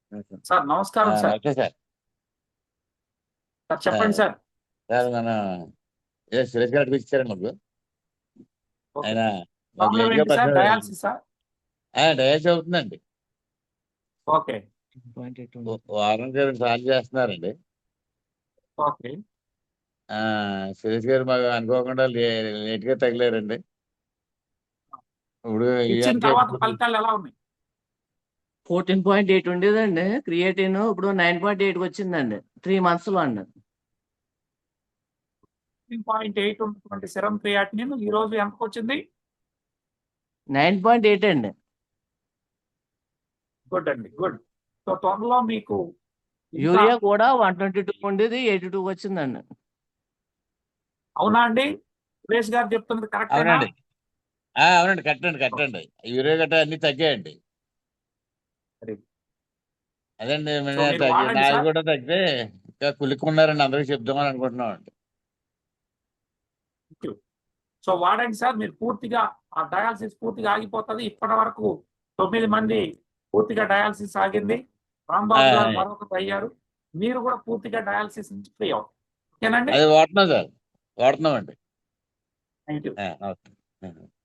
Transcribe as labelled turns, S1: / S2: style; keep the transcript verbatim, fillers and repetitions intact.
S1: Sir నమస్కారం sir.
S2: Okay sir.
S1: Sir చెప్పండి sir.
S2: Sir మన ఏ సురేష్ గారు ఇచ్చారండి మాకు.
S1: ఓకే.
S2: ఆయన మాకు
S1: ప్రాబ్లం
S2: లేట్గా
S1: ఏంటి సార్?
S2: పరిచయం
S1: డయాలసిసా?
S2: డయాలసిస్ అవుతుందండి.
S1: ఓకే.
S2: వారానికి రెండు సార్లు చేస్తున్నారండి.
S1: ఓకే.
S2: ఆ సురేష్ గారు మాకు అనుకోకుండా లే- లేట్ గా తగిలారండి. ఇప్పుడు
S1: ఇచ్చిన
S2: ఇవాళ
S1: తర్వాత ఫలితాలు ఎలా ఉన్నాయి?
S3: ఫోర్టీన్ పాయింట్ ఎయిట్ ఉండేదండి క్రియేటిన్, ఇప్పుడు నైన్ పాయింట్ ఎయిట్ వచ్చిందండి త్రీ మంత్స్ లో అండి.
S1: ఫిఫ్టీన్ పాయింట్ ఎయిట్ ఉన్నటువంటి సెరం క్రియాటినిన్ ఈ రోజు ఎంతకు వచ్చింది?
S3: నైన్ పాయింట్ ఎయిట్ అండి.
S1: గుడ్ అండి, గుడ్. సో త్వరలో మీకు ఇంకా-
S3: యూరియా కూడా వన్ ట్వంటీ టూ ఉండేది ఎయిటీ టూ వచ్చిందండి.
S1: అవునా అండి? సురేష్ గారు చెప్తున్నది కరెక్ట్?
S2: అవునండి. ఆ, అవునండి, కట్టండి కట్టండి యూరియా గట్ట అన్ని తగ్గాయండి. అదండి
S1: సో
S2: మిగతా
S1: మీరు
S2: తగ్గి
S1: వాడండి
S2: నాది
S1: సార్.
S2: కూడా తగ్గితే ఇంకా కులుక్కున్నారండి, అందరికి చెప్దామని అనుకుంటున్నాం అండి.
S1: సో వాడండి సార్. మీరు పూర్తిగా ఆ డయాలసిస్ పూర్తిగా ఆగిపోతుంది. ఇప్పటి వరకు తొమ్మిది మంది పూర్తిగా డయాలసిస్ ఆగింది. రాంబాబు గారు
S2: ఆ,
S1: మరొకరు అయ్యారు. మీరు కూడా పూర్తిగా డయాలసిస్ నుంచి ఫ్రీ అవుతారు. ఓకేనండి?
S2: అది వాడుతున్నాం సార్, వాడుతున్నాం అండి.
S1: Thank you.
S2: ఓకే.